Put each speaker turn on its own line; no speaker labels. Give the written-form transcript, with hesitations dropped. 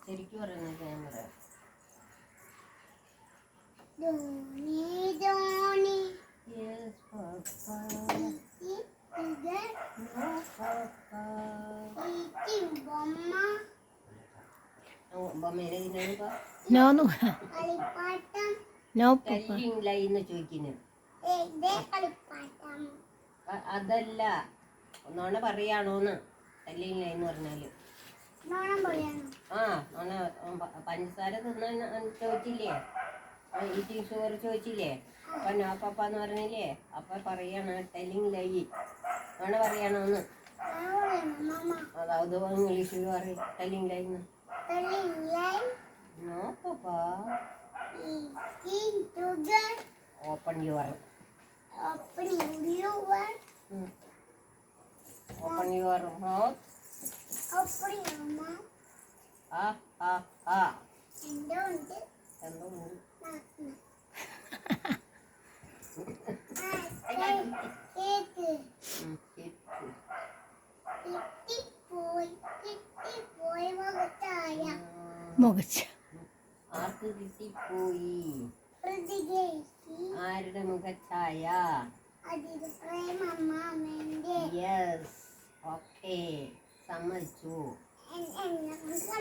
ശരിക്കും പറയുന്നത് ഞാൻ പറയാം. Yes, Papa. No, Papa. ചോദിക്കുന്നു. അതല്ല, നോണ പറയാണോന്ന്. ടെല്ലിങ് ലൈ എന്ന് പറഞ്ഞാല് ആ നോണ. പഞ്ചസാര തിന്ന ചോദിച്ചില്ലേ, ഈറ്റിംഗ് ഷുഗർ ചോദിച്ചില്ലേ, അപ്പൊ നോ പപ്പ എന്ന് പറഞ്ഞില്ലേ, അപ്പൊ പറയാണ് ടെല്ലിങ് ലൈ. നോണ പറയാണോന്ന്. അതായത് ഇംഗ്ലീഷിൽ പറയും ടെല്ലിങ് ലൈ എന്ന്. No papa. Open your. Open your mouth. Ah, ah, ah. എന്തുണ്ട്? ആർക്ക് കിട്ടിപ്പോയി? ആരുടെ മുഖച്ഛായ? യെസ്, ഓക്കെ, സമ്മതിച്ചു.